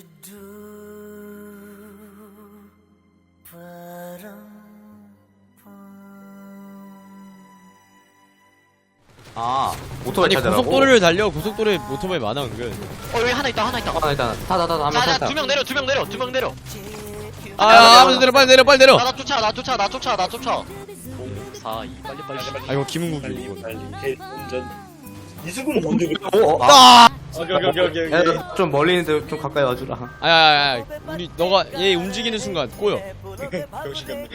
아, 오토바이 아니 찾으라고? 고속도로를 달려. 고속도로에 오토바이 많아 은근. 여기 하나 있다. 일단 타타타타 하면 자자 탈까? 두 명 내려. 아 빨리 내려 빨리 내려. 나 쫓아. 5, 4, 2 빨리. 아 이거 김은국이 이거. 빨리 운전. 이수근 뭔데 그래? 아! 오케이. 야, 너 좀 멀리 있는데 좀 가까이 와주라. 아야 우리 너가 얘 움직이는 순간 꼬여. 병신 같네.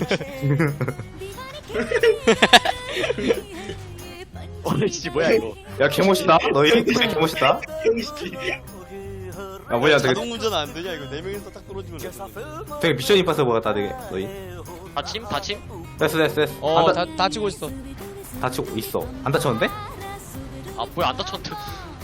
어이씨 뭐야 이거. 야, 개멋있다. 너희 진짜 개멋있다. 병신. 야, 뭐야, 되게, 자동 운전 안 되냐 이거 4명이서 딱 떨어지면. 되게 미션 임파서블 같다, 되게. 너희. 다침? 됐어. 다치고 있어. 다치고 있어. 안 다쳤는데? 아 뭐야 안 다쳤는데.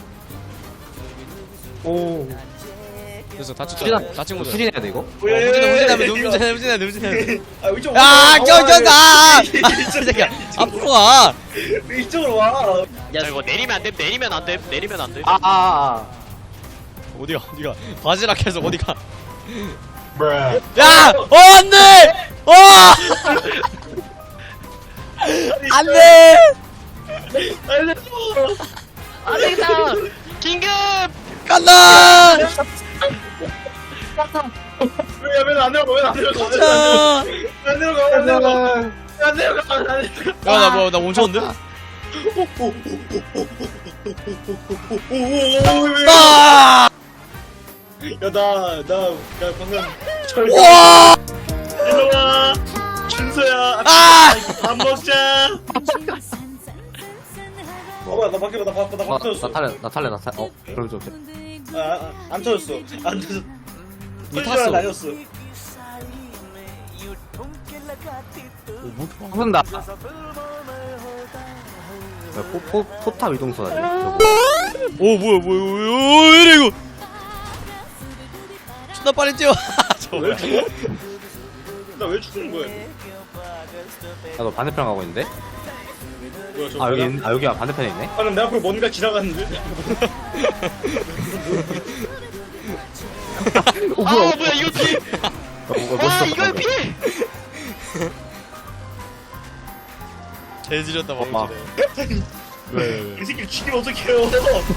오. 그래서 다쳤잖아. 다친 거잖아. 수진해야 돼, 이거? 후진하면 아 이쪽. 야, 껴! 이 새끼야. 앞으로 와. 이쪽으로 와. 야 이거 내리면 안 돼. 어디가? 바지락해서 어디가? 브라. 야! 안 돼! 안 돼! 알려줘. 안 되겠다. 긴급. 간다! 왜안 내려가? 자! 안 내려가. 야, 나 멈췄는데? 아! 나 방금 와! 일로와. 준서야. 아! 밥 먹자. 뭐야 나 밖에 나 터졌어. 나 탈래. 그럼 좀. 안 터졌어. 안 터졌어. 니 탔어. 날렸어. 혼다. 포탑 이동소다. 오, 뭐야, 왜 이래, 이거? 존나 빨리 뛰어. 저거 뭐야? 나 왜 죽는 거야? 너 반대편 가고 있는데? 뭐야 저? 여기가 반대편에 있네? 방금 내 앞으로 뭔가 지나갔는데? 뭐야 이걸 피해. 멋있어. 이걸 피해. 개지렸다, 엄마. 왜? 이 새끼를 죽이면 어떡해요?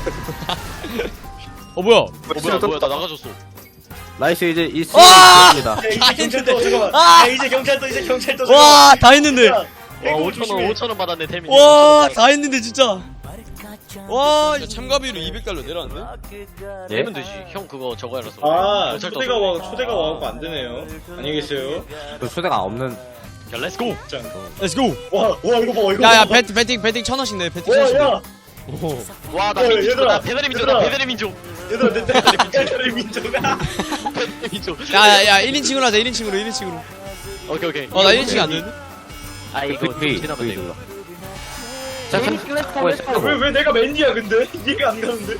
뭐야? 뭐야 나 나가졌어. 나이스, 이제 이 아! 입니다. 야 이제 경찰도 잠깐만. 아! 야 이제 경찰도 와, 다 했는데. 와 5,000원 받았네 태민이. 와, 다 했는데, 진짜. 와, 참가비로 200달러 내렸는데? 예? 내면 되지. 형 그거 저거 해라서. 아 경찰도 초대가 와갖고 안 되네요. 안녕히 계세요. 그 초대가 없는. 야 렛츠고. 짠. Let's go. 와 이거 봐 이거. 야, 봐. 배팅 1000원씩 내, 배팅 1000원씩 내. 야 오. 와나 야, 민족. 얘들아, 나 배달의 민족이다. 얘들아. 배달의 민족. 얘들아 내 딸의 민족아. 배달의 민족. 야, 1인칭으로 하자, 1인칭으로. 오케이. 나 1인칭이 안 되는데? 아 이거 좀 지나면 돼 이거. 눌러. 자, 참. 왜 내가 맨디야 근데 이해가 안 가는데.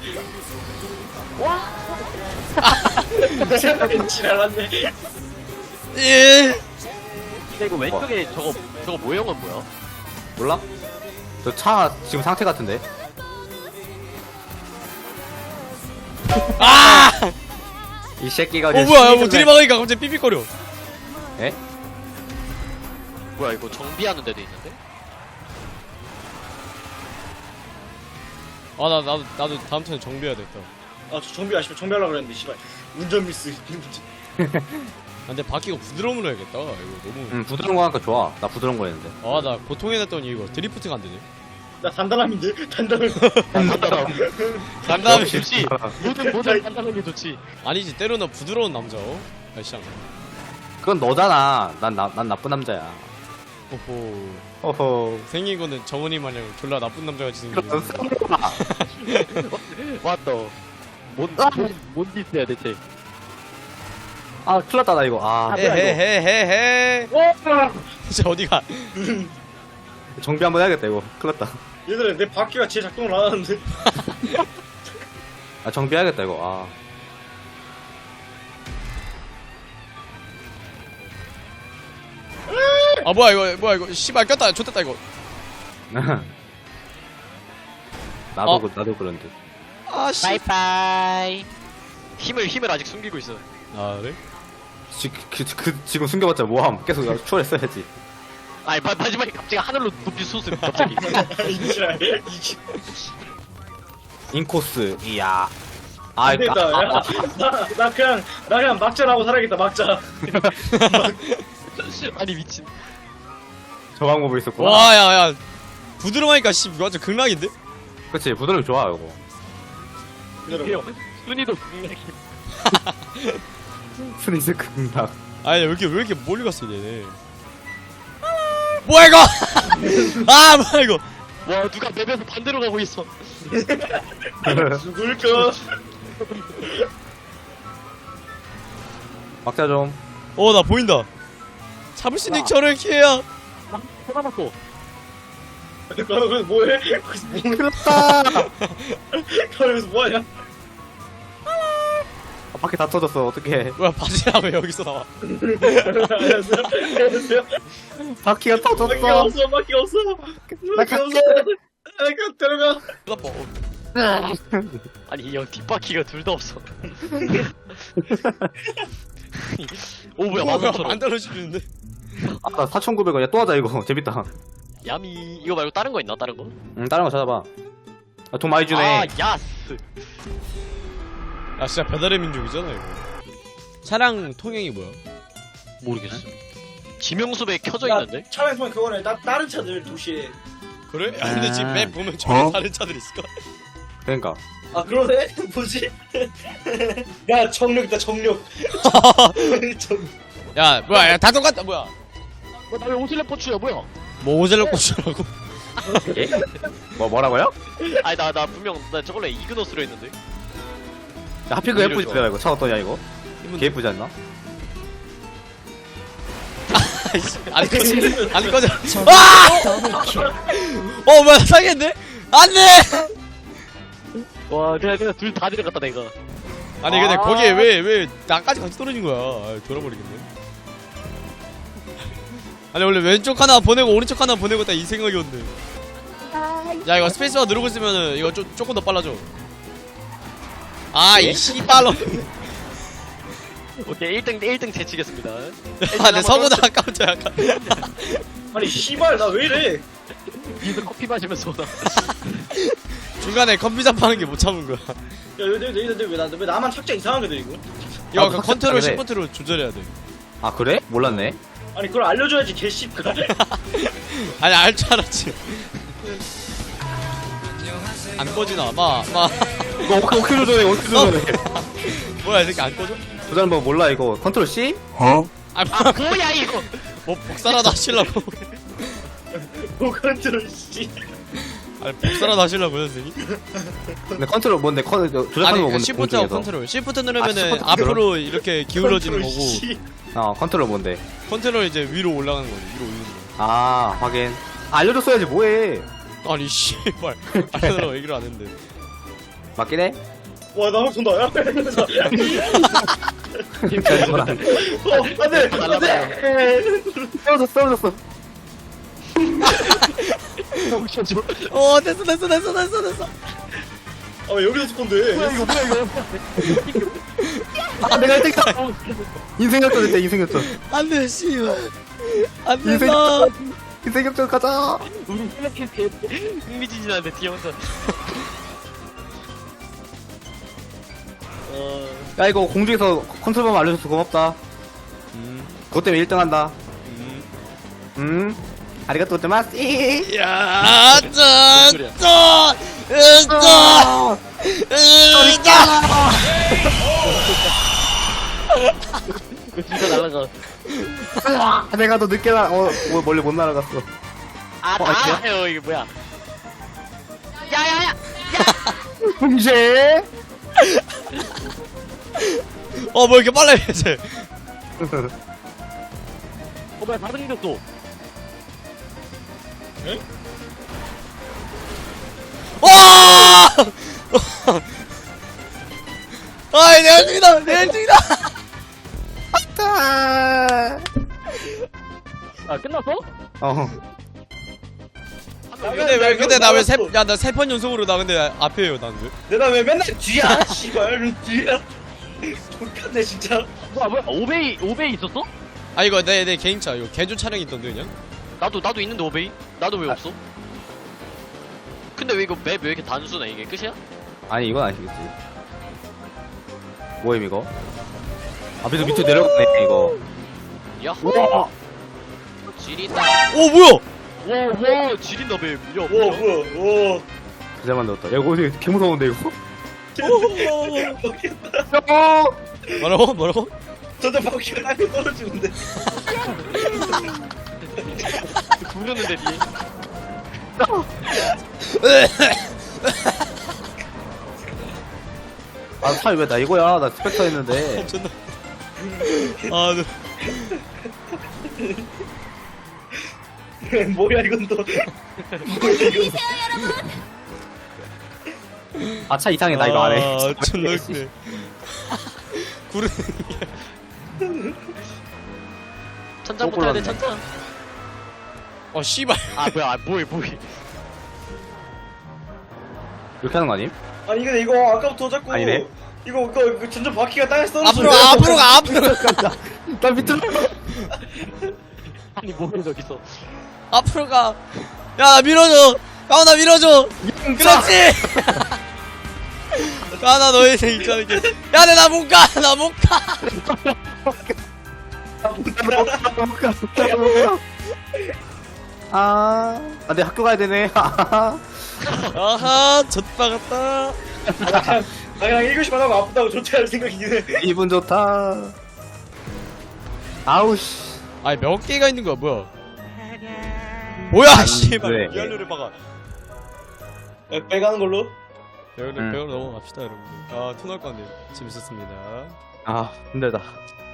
내가 맨디 알았네. 예. 근데 이거 왼쪽에 저거 모형은 뭐야? 몰라? 저 차 지금 상태 같은데? 아! 이 새끼가. 뭐야, 뭐 들이박으니까 갑자기 삐삐거려. 예? 뭐야 이거 정비하는 데도 있는데? 아, 나도 다음 턴에 정비해야 겠다. 아 저 정비하려고 그랬는데 씨발 운전 미스. 근데 바퀴가 부드러움으로 해야겠다. 이거 너무. 부드러운 거 하니까 좋아. 나 부드러운 거 했는데. 아, 나 보통 해놨더니 이거 드리프트가 안 되네. 나 단단함인데 단단함. 간다음에 좋지. 모든 간단한 게 좋지. 아니지, 때로는 부드러운 남자. 날씨장. 그건 너잖아. 난 나쁜 남자야. 호호. 어허. 생긴 거는 정은이 마냥 졸라 나쁜 남자같이 생겼네. 왔다. 뭔 짓이야 대체? 아, 큰일 났다, 나 이거. 아, 헤헤헤헤헤. 진짜 어디가? 정비 한번 해야겠다, 이거. 큰일 났다. 얘들아 내 바퀴가 제 작동을 안 하는데. 아, 정비해야겠다, 이거. 아, 뭐야 이거. 씨발 꼈다. 좋댔다 이거. 나도 그런 듯. 아, 씨. 바이바이. 힘을 아직 숨기고 있어. 아 그래? 지금 숨겨봤자 뭐함. 계속 추월했어야지. 아니 마지막에 갑자기 하늘로 높이 솟음 갑자기. 이지랄. 인코스, 이야. 안 되겠다. 야, 나 그냥 막자라고 살아야겠다. 막자. 아니 미친. 저 방법이 있었구나. 와 야야 부드러우니까 씨 이거 완전 극락인데? 그치, 부드러움이 좋아, 이거. 기다려. 순이도 스니스 극락. 아니 왜 이렇게 멀리 갔어 얘네. 뭐야 이거? 아 뭐야 이거? 와 누가 맵에서 반대로 가고 있어. 죽을까? 막자 좀. 나 보인다. 잡을 수 있는 저를 기회야. 하나 맞고. 너 거기서 뭐해? 거기서 뭐? 그렇다. 거기서 뭐하냐? 바퀴 다 터졌어, 어떡해. 뭐야 바지랑 왜 여기서 나와? 안녕하세요. 안녕하세요. 바퀴가 바퀴가 터졌어. 없어. 바퀴가 없어. 바퀴가 없어. 가 들어가. 아니 이 형 뒷바퀴가 둘 다 없어. 오 뭐야 뭐야 만원처럼. 만들어주는데? 아까 4,900원. 야, 또 하자, 이거. 재밌다. 야미 이거 말고 다른 거 있나 다른 거? 다른 거 찾아봐. 아, 돈 많이 주네. 아 야스. 야 진짜 배달의 민족이잖아 이거. 차량 통행이 뭐야? 모르겠어. 지명수배 켜져 야, 있는데? 차량 통해 그거네. 다른 차들 도시에. 그래? 아 근데 지금 맵 보면 전혀 다른 차들 있을까? 그러니까. 아 그러네? 뭐지? 야 정력이다 정력. 야 뭐야 다 똑같다 뭐야? 나왜 오슬레 포츠야 뭐야? 뭐 오젤로 꽂으라고? 예? 뭐라고요? 아니 나 분명 나 저걸로 이그노스로 했는데. 야, 하필 그 예쁘지, 좋아. 이거. 차 어떠냐, 이거? 개 예쁘지 않나? 안 꺼져 안 꺼져. 뭐야 상했네? 안돼. 와 그냥 둘 다 데려갔다 내가. 아니 근데 거기에 왜 나까지 같이 떨어진 거야? 아, 돌아버리겠네. 아니 원래 왼쪽 하나 보내고 오른쪽 하나 보내고 딱 이 생각이었는데. 야 이거 스페이스바 누르고 있으면은 이거 조금 더 빨라져. 아 이 씨발로. 오케이 1등 제치겠습니다. 아 내 서보다 아까부터 약간. 아니 씨발 나 왜 이래? 니도 커피 마시면서 오다. 중간에 컴퓨터 파는 게 못 참은 거야. 야 왜 나만 착자 이상하게 돼 이거? 이거 나도 컨트롤 그래. 시프트로 조절해야 돼. 아, 그래? 몰랐네. 아니 그걸 알려줘야지 개씨발. 아니 알 줄 알았지. 안 꺼지나? 마. 이거 어떻게 조절해, 어떻게 조절해. 뭐야 이 새끼 안 꺼져? 조절하는 법 몰라, 이거. 컨트롤 C? 아 뭐야 이거? 뭐 복사라도 하시려고. 뭐 컨트롤 씨. 아니 복사라도 하시려고 선생님? 근데 컨트롤 뭔데? 조작하는 거 아니 뭔데? 시프트하고 공중에서. 컨트롤. 시프트 누르면은 시프트 앞으로 이렇게 기울어지는 거고, 컨트롤 뭔데? 컨트롤 이제 위로 올라가는 거지. 위로 올리는 거. 아, 확인. 알려줬어야지, 뭐해. 아니 씨발 알려달라고 얘기를 안 했는데. 맞긴 해? 와나 한번 돈다. 야. 안돼 안돼. 떨어졌어. 됐어. 아 여기서 쓸 건데. 아, 내가 1등이다. 인생 역전 됐다, 인생 역전. 안돼 씨발. 안 인생 된다. 역전. 인생 역전 가자. 우리 생각해 흥미진진한데 뒤에 혼자. 야, 이거 공중에서 컨트롤 법 알려줘서 고맙다. 그것 때문에 1등 한다. 아리가또 고자마스. 야, 진짜 날라가. 내가 더 늦게 멀리 못 날아갔어. 나와요 이게 뭐야? 야야야! 문제. 뭐 이렇게 빨라 이제. 뭐야 다른 생겼어. 와! 아이 내 1등이다. 내 1등이다. 아 끝났어? 근데 나 왜 나 3번 연속으로 나 근데 앞에요 난 왜? 내가 왜 맨날 뒤야? 씨발 뒤야. 똑같네 진짜. 뭐야, 오베이 있었어? 아 이거 내 개인차 이거 개조 차량이 있던데 그냥. 나도 있는데 오베이? 나도 왜 없어? 근데 왜 이거 맵 왜 이렇게 단순해? 이게 끝이야? 아니 이건 아니겠지. 뭐임 이거? 앞에서 밑으로 내려갔네 이거. 야호! 지린다. 오 뭐야? 와, 지린다 맵. 야, 오 뭐야? 뭐야 오. 잘 만들었다. 야 이거 어떻게 개 무서운데 이거? 먹겠다. 뭐라고? 저도 바퀴가 땅에 떨어지는데. 죽였는데 뒤에. 아 차이 왜 나 이거야? 나 스펙터 했는데. 존나. 아 뭐야 이건 또. 뭐야 이건. 아 차 이상해 나 이거 안 해. 아 존나 웃기네. 구르. 천장 붙어야 돼, 천장. 어 씨발. 아, 뭐야, 뭐해. 이렇게 하는 거 아님? 아니 근데 이거 아까부터 자꾸 아니네. 이거 점점 바퀴가 땅에서 떨어지는 앞으로 가 앞으로 가. 나 밑으로. 아니, 뭐해, 저기서. 앞으로 가. 야, 나 밀어줘. 가훈아 밀어줘. 그렇지. 가훈아 너의 있잖아 이게. 야, 나 못 가. 나 못 가. 내 학교 가야 되네. 아하, 젖바 같다. 그냥 1교시만 하고 아프다고 조퇴할 생각이긴 해. 기분 좋다. 아우 씨. 아니 몇 개가 있는 거야, 뭐야? 뭐야, 씨발. 돼. 리얼루를 박아. 빼가는 걸로? 배우로 넘어갑시다, 여러분들. 아, 토 나올 것 같네요. 재밌었습니다. 아 힘들다.